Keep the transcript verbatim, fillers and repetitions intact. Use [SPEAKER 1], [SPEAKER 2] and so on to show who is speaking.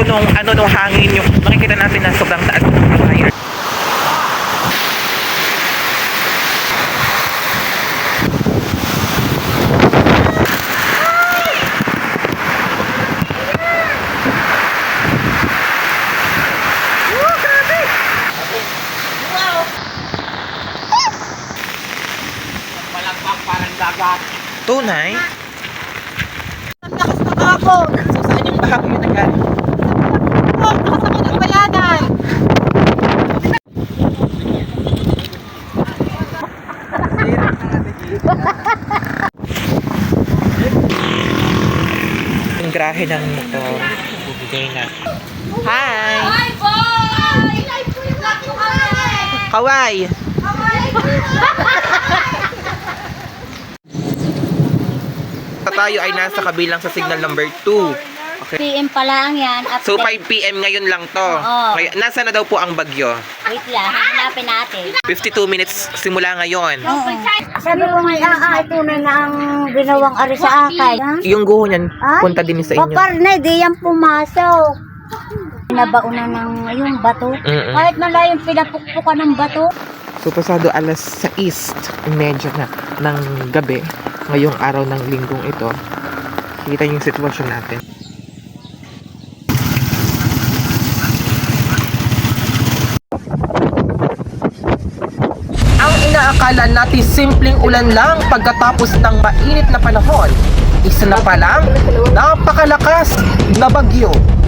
[SPEAKER 1] epekto nung ano nung hangin, yung makikita natin na sobrang taas ng fire. Tunay?
[SPEAKER 2] Ang lakas ng ako!
[SPEAKER 1] So, saan yung bahagi yun nagaling?
[SPEAKER 2] Oh, lakas ako ng bayanan!
[SPEAKER 1] Yung grahe ng motor. Bubigay na. Hi!
[SPEAKER 2] Hi, boy!
[SPEAKER 1] Kaway! Tayo ay nasa kabilang sa signal number two. Okay.
[SPEAKER 3] P M pa lang yan. Update.
[SPEAKER 1] So five p m ngayon lang to.
[SPEAKER 3] Oo.
[SPEAKER 1] Kaya, nasa na daw po ang bagyo?
[SPEAKER 3] Wait lang, hanapin natin.
[SPEAKER 1] fifty-two minutes simula ngayon.
[SPEAKER 3] Oo. Sabi ko nga, ah, ito na na ang ginawang ari sa akin. Ha?
[SPEAKER 1] Yung guho niyan,
[SPEAKER 3] Ay,
[SPEAKER 1] punta din sa inyo.
[SPEAKER 3] Paparnay, di yan pumasok. Nabauna ng yung bato.
[SPEAKER 1] Mm-mm.
[SPEAKER 3] Kahit malayong pinapukpukan ng bato.
[SPEAKER 1] So pasado alas sais medyo na ng gabi, ngayong araw ng linggong ito. Kita yung sitwasyon natin. Ang inaakala natin simpleng ulan lang pagkatapos ng mainit na panahon, isa na palang napakalakas na bagyo.